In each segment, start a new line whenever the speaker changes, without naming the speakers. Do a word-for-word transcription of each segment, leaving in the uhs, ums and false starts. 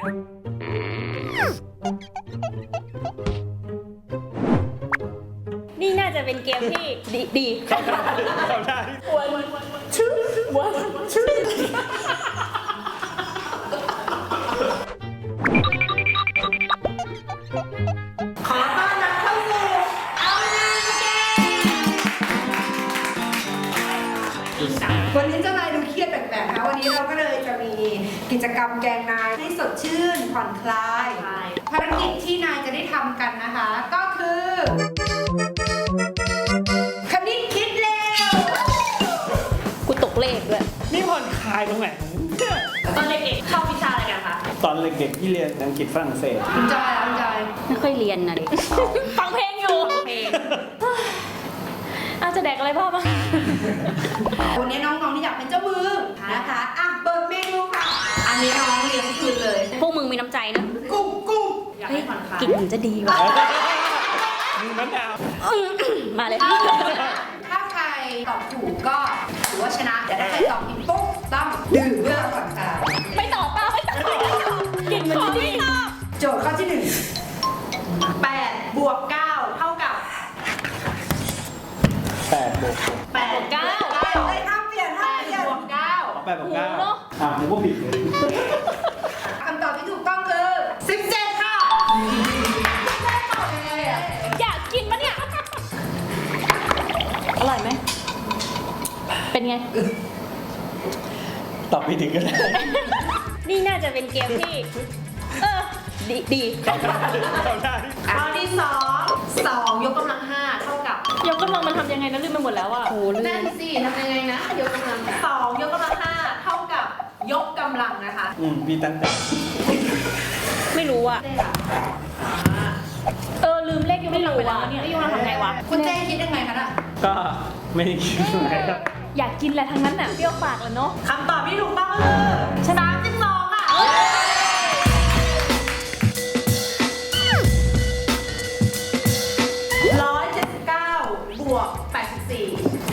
นี่น่าจะเป็นเกมที่ดีดีเข้าได้เข้าได้วันชื่อวันชื่อ
ขอต้อนรับเข้าสู่เอานางเกมวันนี้เจ้านายดูเครียดแปลกๆนะวันนี้เราก็เลยจะมีกิจกรรมแกงนายให้สดชื่นผ่อนคลายภารกิจที่นายจะได้ทำกันนะคะ ก็คือคณิตคิดเร็ว
กูตกเลขด้วย
นี่ผ่อนคลายตรงไหน
ตอนเด็กๆชอบวิชาอะไรกันคะ
ตอนเด็กๆที่เรียนอังกฤษฝรั่งเศส
คุณจอยอ่ะคุณจอย
ไม่ค่อยเรียนนะดิฟังเพลงอยู่เพลงอาจจะแดกอะไรพ่อบ้าง
วันนี้น้องๆที่อยากเป็นเจ้ามือนะคะอ่ะเปิดเมนูค่ะอันนี้น้องเลี้ยงคืนเลย
พวกมึงมีน้ำใจนะ
กุ้งกุ้ง
เฮ้ยกลิ่นมันจะดีว่ะ
มีมะนาว
มาเลย
ถ้าใครตอบถูกก็ถือว่าชนะแต่ถ้าใครตอบผิดปุ๊บต้องดื่มเพื่อผ่อนคลาย
ไม่ตอบป้าไม่ตอบกลิ่นมันจะดี
โจทย์ข้อที่หนึ่งแปดบวกเก้าเท่ากับ
แปดบวก
แปด
เก้า
เอ้ยห้ามเปลี่ยนห้ามเปลี่ยนบวกเก้า
แปดบวกเก้า
โอ้โหเนอะ
อ่ะผมก็ผิดเลย
คำตอบที่ถูกต้องคือสิบเจ็ดค่ะได้ตอบยังไงอ่ะ
อยากกินปะเนี่ย อร่อยไหม เป็นไง
ตอบไม่ถึงก็ได้
นี่น่าจะเป็นเกมที่ เออ ดีดี
เข้าได้เข้าได้
ข้อที่สองสองยกกำลังห้าเท่ากับ
ยกกำลังมันทำยังไงนะลืมไปหมดแล้วอ่ะโอ้ลื
นั่
ม
นสิทำยังไงนะยกกำลังสองยกกำลังห้าเท่ากับยกกำลังนะคะ
อืมพี่ตั้งแต่
ไม่รู้อ่ะ
เจ๊อะ
เออ ลืมเลขยกกำลังไปแล้วเนี่ยยกกำลังทำไงวะ
คุณเจ๊คิดยังไงคะน่ะ
ก็ไม่ได้คิดอะไรครับ
อยากกินแหละทั้งนั้นน่ะเปรี้ยวปากเลยเนาะ
คำตอบที่ถูกต้องก็คือสามสิบสองค่ะร้อยเจ็ดสิบเก้าบวกแปดสิบสี่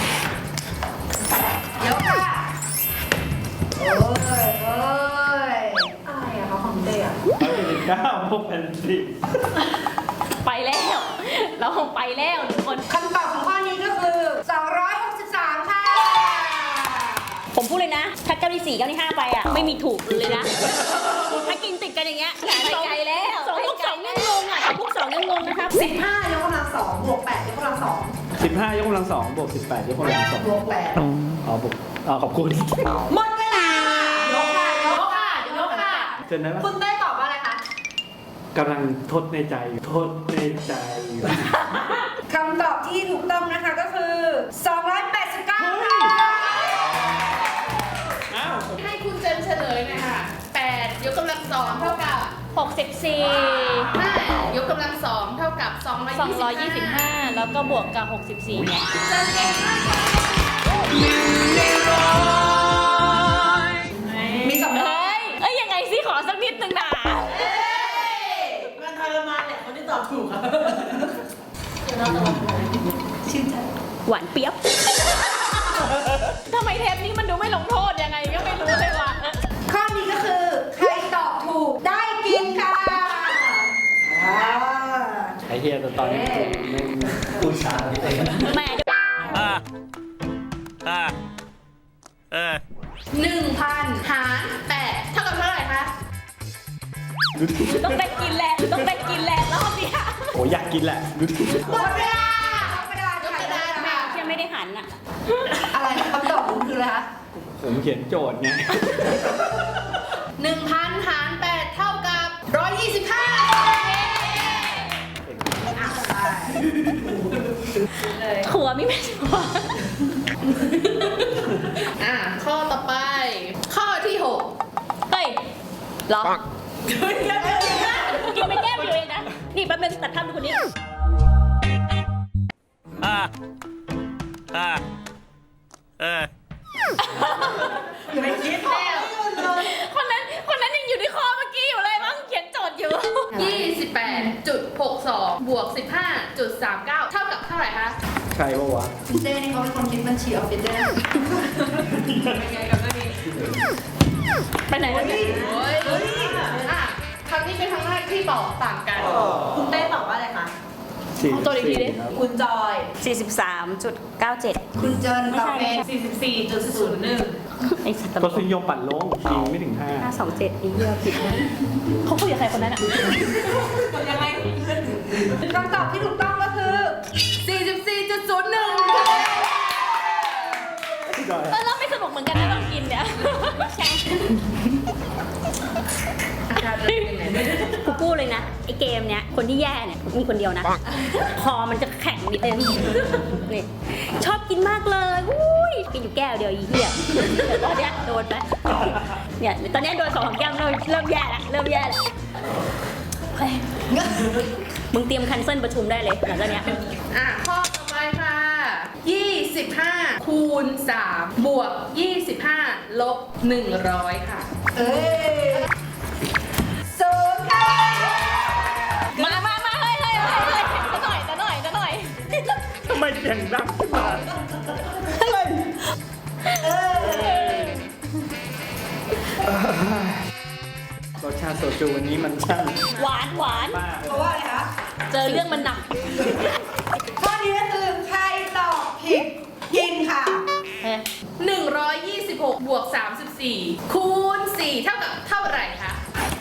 เดี๋ยวค่ะโอ้ยโอ้ยอะไรอะเขาของเจ๊อะ
ร้อยเจ็ดสิบเก้าบวกแปดสิบ
ไปแล้ว เราไปแล้วทุกคน
คำตอบของข้อนี้ก็คือสองร้อยหกสิบสามค่ะ
ผมพูดเลยนะ ถ้าเก้าที่สี่เก้าที่ห้าไปอ่ะ ไม่มีถูกเลยนะ ถ้ากินติดกันอย่างเงี้ยไปไกลแล้วสองพวกสองยังงงอ่ะสองพวกสองยังงงนะครับ
สิบห้ายกกำลังสองบวกแปดยกกำลังสอง
สิบห้ายกกำลังสองบวกสิบแปดยกกำลังสอง
บวกแปด
อ๋อบวกอ๋อขอบคุณ
หมดเวลายกค่ะยกค่ะยกค่ะ
เจนได้ปะ
คุณเต้ตอบว่าอะไรคะ
กำลังทดในใจอยู่ทดในใจอยู่
คำตอบที่ถูกต้องนะคะก็คือสองร้อยแปดสิบเก้าค่ะ
อ้าว
ให้คุณเจนเฉลยหน่อยค่ะแปดยกกำลังสองเท่ากับ
หกสิบสี่
ห้ายกกำลังสองเท่ากับสองร้อย
สองร้อยยี่
ยี่
สิ
สิ
บบ ห้า
ห้า
แล้วก็บวกกับหกสิบสี่เนี่ย
เจนเก่งมากค่ะ
มีสอง
เฮ้ย เอ้ยยังไงสิขอสักนิดนึงนะ
มันทรมานแหละคนที่ตอบถูกค่ะชื่นใจ
หวานเปียบ ทำไมเทปนี้มันดูไม่ลงโทษยังไงก็ไม่รู้เลยว่ะ
ข้อนี้ก็คือใครตอบถูกได้กินค่ะอ่า
ไอเฮียแต่ตอนนี้กูไม่พูดช้านิดเอง
แหม่
อ่าอ่าเออ
หนึ่งพันหารแปดเท่ากับเท่าไหร่คะ
ดูดิ
ต้องได้กินแหละต้องได้กินแหละรอบเนี้ย
โอ้อยากกินแหละดูดิ
หมดเวลายกกระดาษ
ยกกระดาษค่ะ
ยังไม่ได้หันอ่ะ
อะไรคำตอบคุณคืออะไรคะ
ผมเขียนโจทย์ไง
หนึ่งพันหารแปดเท่ากับร้อยยี่สิบห้า
ขัวมีไหมขัว
อ่ะข้อต่อไป ข้อที่หก
เฮ้ยเหรอ กินไปแก้มอยู่เองนะ นี่แป๊บนึงตัดภาพดูคนนี้
อ่าอ่าเออ
ไม่คิดแล้ว
คนนั้น คนนั้นยังอยู่ในคอเมื่อกี้อยู่เลยมั้งเขียนโจทย์อยู่
ยี่สิบแปดจุดหกสองบวกสิบห้าจุดสามเก้าเท่ากับเท่าไหร่คะ
ใครวะวะ
คุณเต้นี่เขาเป็นคนคิดบัญชีออฟฟิศด้วยนะ
ไปไหนแล้วเนี่ย
โอ้ยอ่ะตอบต่างกัน
คุณเต้ตอบว่าอะไรคะ
ตัวอีกทีดิ
คุณจอย
สี่สิบสามจุดเก้าเจ็ด
คุณเจินตอบเป็น
สี่สิบสี่จุดศูนย์หนึ่ง
ไอ้สัตว์ต
ร
ล
ส
ก
นิยมปั่นโลงยิงไม่ถึงห้า
ห้าสองเจ็ดอีเหี้ยผิดนะเขาคุยกับใครคนนั้นอ่ะ
ยังไงคำตอบที่ถูกต้องก็คือ
สี่สิบสี่จุดศูนย์หนึ่ง
เออเราไม่สนุกเหมือนกันนะต้องกินเนี่ยใช่กูพูดเลยนะไอเกมเนี้ยคนที่แย่เนี่ยมีคนเดียวนะคอมันจะแข็งนิดนึงนี่ชอบกินมากเลยอุ้ยกินอยู่แก้วเดียวอีเหี้ยเดี๋ยวตอนเนี้ยโดนไปเนี่ยตอนเนี้ยโดนสองแก้วเริ่มเริ่มแย่แล้วเริ่มแย่แล้วเฮ้ยมึงเตรียมคันเซิลประชุมได้เลยหลังจากเนี้ย
อ่ะข้อต่อไปค่ะยี่สิบห้าคูณสามบวกยี่สิบห้าลบหนึ่งร้อยค่ะ
เอ้ยศูนย์ค่ะ
มามามาเฮ้ยเฮ้ยเฮ้ยเฮ้ยจะหน่อยจะหน่อยจะหน่อย
ทำไมเสียงดังขึ้นมา
เออ
รสชาติโซจูวันนี้มันช่าง
หวานหวาน
มาก
เพราะว่าอะไรคะ
เจอเรื่องมันหนัก
ข้อนี้ก็คือใครตอบผิดกินค่ะ
หนึ่งร้อยยี่สิบหกบวกสามสิบสี่คูณสี่เท่ากับเท่าไหร่คะ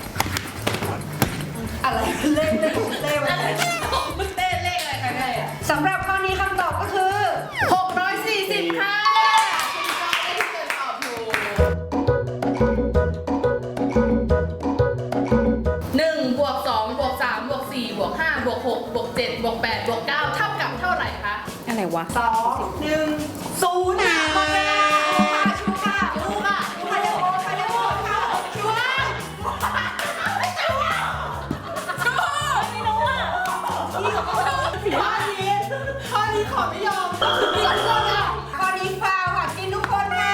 อะไรเล่นเล่นเล่น
อะไรคุณเต้เลขอะไรคะเนี่ย
สำหรับข้อนี้คำตอบก็คือ
หกร้อยสี่สิบค่ะคุณจอยได้ที่เกิดตอบถูกหนึ่งบวกสองบวกสามบวกสี่บวกห้าบวกหกบวกเจ็ดบวกแปดบวกเก้าเท่ากับเท่าไหร่คะ
อะไรวะ
สองหนึ่งศูนย์หมดเวลาชูค่ะ
ชูค่ะ
ชูค่ะเร็วค่ะเร็วค่ะชูค่ะชูชูไม่รู้อ่ะข้อนี้ข้อนี้ขอไม่ยอมกินทุกคนอ่ะข้อนี้ฟาวค่ะกินทุกคนค่ะ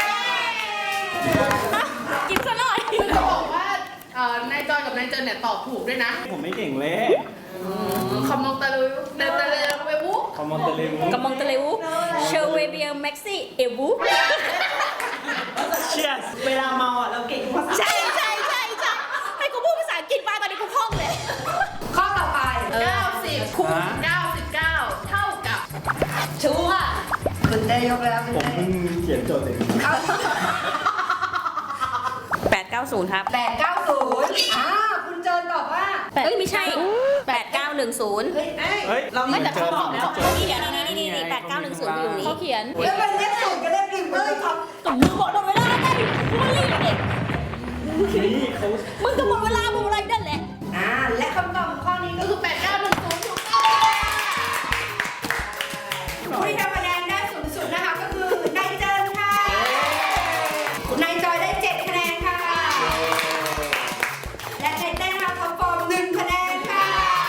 กินซะหน่อย
คือจะบอกว่าเอ่อนายจอยกับนายเจนเนี่ยตอบถูกด้วยนะ
ผมไม่เก่งเลย
คอมมองตะลุยเตะตะลุยไปบุ๊ก
คอมมอนเตเลวู
กำมองตะเลวเชอร์เวเบียแม็กซี่เอวู
เชียส
เวลาเมาอ่ะเราเก่งภาษา
ใช่ใช่ใช่ใช่ให้กูพูดภาษาอังกฤษมาตอนนี้กูคล่องเลย
ข้อต่อไป
เก้าสิบคูณเก้าสิบเก้าเท่ากับ
ชูอ่ะ
คุณได้ยกแล้วคุณ
ผม
ได้
เพิ่งเขียนโจทย์เอง
แปดเก้าศูนย์ครับ
แปดเก้าศูนย์อ่าคุณเจินตอบว่า
เอ้ยไม่ใช่แปดเก้าหนึ่งศูนย์
เฮ้ยเอ้ย
เฮ้ย
เราไม่แต่
เจ
เขา
อ
บอก
แล้
แล้ว
ว
นี่นี่นี่นี่นี่แปดเก้าหนึ่งศูนย์อยู่นี้เขาเขียน
แล้วมันเลขศูนย์กับเลขหนึ่งเลยครับ
กับมึงหมดเวลาไงมึงรีบเด็ก
นี่เขา
มึงก็หมดเวลามึงอะไรนั่นแหละ
อ่าและคำตอบของข้อนี้
ก็
ก็
คือแปดเก้าหนึ่งศูนย์ถูกต้อง
ผู้ที่ทำคะแนนได้สูงสุดนะคะก็คือนายเจินค่ะนายจอยได้เจ็ดคะแนนค่ะ และนายเต้นนะคะท็อปฟอร์มหนึ่งคะแนนค่ะ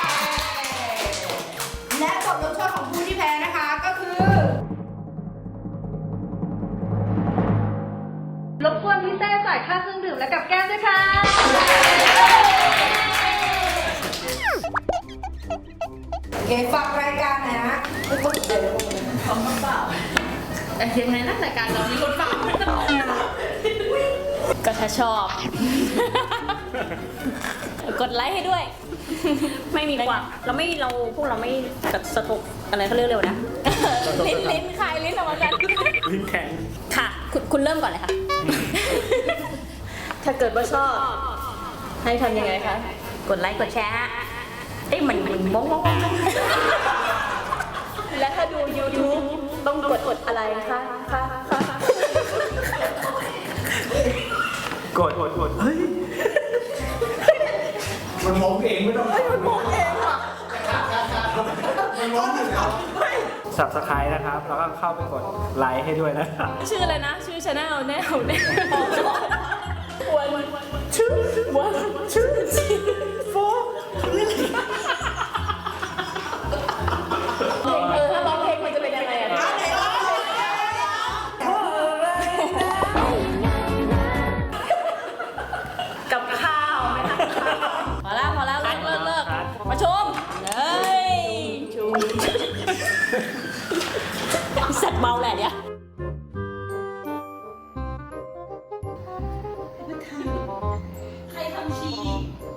และบทลงโทษของผู้ที่แพ้นะคะก็คือ รบกวนพี่เต้จ่ายค่าเครื่องดื่มและกับแก้มด้วยค่ะ โอเคฝากรายการหน่อยนะไม่ต้องเสียเลย
ของเปล่าแต่ยังไงนะรายการเรามีคนฟัง
ก็ถ้าชอบ กดไลค์ให้ด้วย ไม่มีความเราไม่เราพวกเราไม่สต็อกอะไรเขาเรียกเร็วนะ ลิ้นลิ้นคลายลิ้นออกมากัน
ลิ้นแข็ง
ค่ะ คุณคุณเริ่มก่อนเลยค่ะ
ถ้าเกิดว่าชอบ ให้ทำยังไงคะ
กดไลค์กดแชร์ฮะเอ้ยมันมันมองมอง
และถ้าดู YouTube ต้องกดกดอะไรคะคะคะ
กดกดกดเฮ้ย มันมองเองไม่ต้องมันมองเองอ่ะมันมองเองสับสไครต์นะครับ แล้วก็เข้าไปกดไลค์ให้ด้วยนะครับ
ชื่ออะไรนะ ชื่อชาแนลแนวแนววันชื่อวันชื่อโฟเออถ้าร้องเพลงมันจะเป็นยังไงอะ กับข้าวไหมคะ
พอแล้วพอแล้วเลิกเลิกเลิกมาชมเฮ้ยชูสัตว์เมาแหละเนี่ยใครทำชี